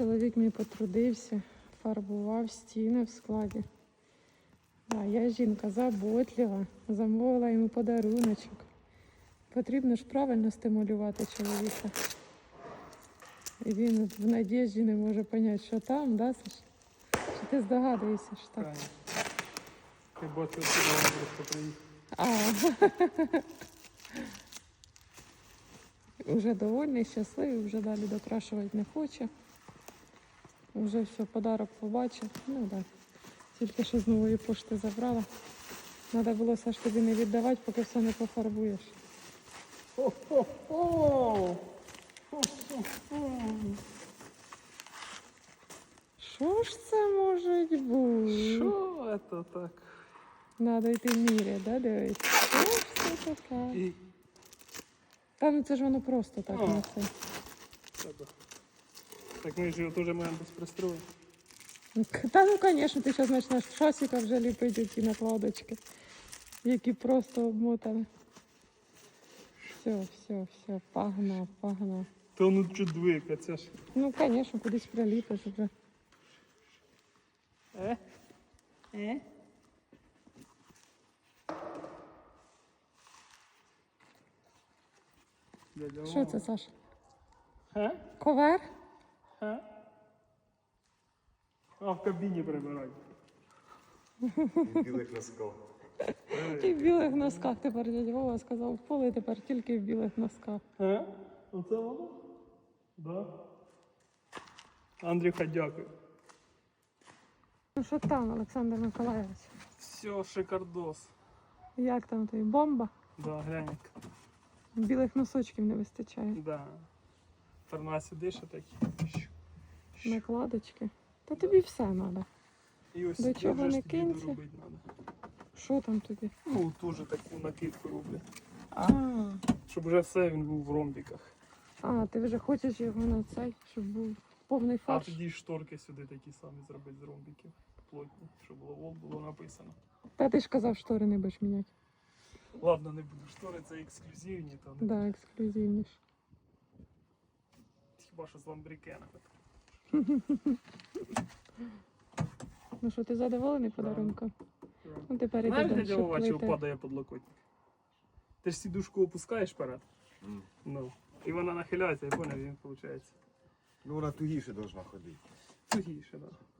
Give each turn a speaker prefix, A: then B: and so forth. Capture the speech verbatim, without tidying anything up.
A: чоловік мій потрудився, фарбував стіни в складі. А я жінка заботлива, замовила йому подаруночок. Потрібно ж правильно стимулювати чоловіка. І він в надіжді не може зрозуміти, що там, да, Саш? Чи ти здогадуєшся, що так?
B: Ти бачив, що він просто приїхав.
A: А. Уже довольний, щасливий, вже далі докрашувати не хоче. Вже все, подарок побачив. Ну так. Тільки що з нової пошти забрала. Треба було все ж тобі не віддавати, поки все не пофарбуєш.
B: Хо-хо-хо!
A: Що ж це може бути?
B: Що це так?
A: Надо йти міряти, да, дивись? Що ж це таке?
B: І...
A: Та ну це ж воно просто так
B: О.
A: на це.
B: Так ми ж його теж маємо без пристрою.
A: Та ну, звісно, ти зараз почнеш в шасіка вже ліпити ті накладочки, які просто обмотані. Все, все, все, погнав, погнав.
B: Та ну чудвика, це ж.
A: Ну, звісно, кудись приліпиш вже.
B: Е? Е?
A: Що це, Саш?
B: Га?
A: Ковер?
B: Га? А в кабіні прибирають.
C: В білих носках.
A: І в білих носках тепер дядя Вова сказав, в поле тепер тільки в білих носках.
B: Га? Оце воно? Да. Андрюха, дякую.
A: Ну що там, Олександр Миколаївич?
B: Все, шикардос.
A: Як там тобі? Бомба?
B: Да, глянь.
A: Білих носочків не вистачає.
B: Да. Фармасі дише такі.
A: Накладочки. Та тобі все треба.
B: І ось
A: До чого
B: вже ж
A: не
B: тобі
A: кинься.
B: доробити треба.
A: Що там тобі?
B: Ну, теж таку накидку роблять.
A: А,
B: Щоб вже все він був в ромбіках.
A: а ти вже хочеш його на цей, щоб був повний
B: А
A: фарш?
B: тоді шторки сюди такі самі зробити з ромбіків. Плотні, щоб було вол було написано.
A: Та ти ж казав, штори не будеш міняти.
B: Ладно, не буду. Штори це ексклюзивні, то не
A: Так, да,
B: буду.
A: ексклюзивніше.
B: Хіба що з ламбрикенами.
A: Ну що, ти задоволений подарунком? Ну тепер іди
B: Знаєш,
A: далі,
B: де
A: щоб
B: дядьова, чого
A: плити.
B: падає подлокотник? Ти ж сідушку опускаєш вперед.
C: М.
B: Ну. І вона нахиляється, і поняв, він виходить.
C: Ну вона тугіше должна ходити.
B: Тугіше, так. Да.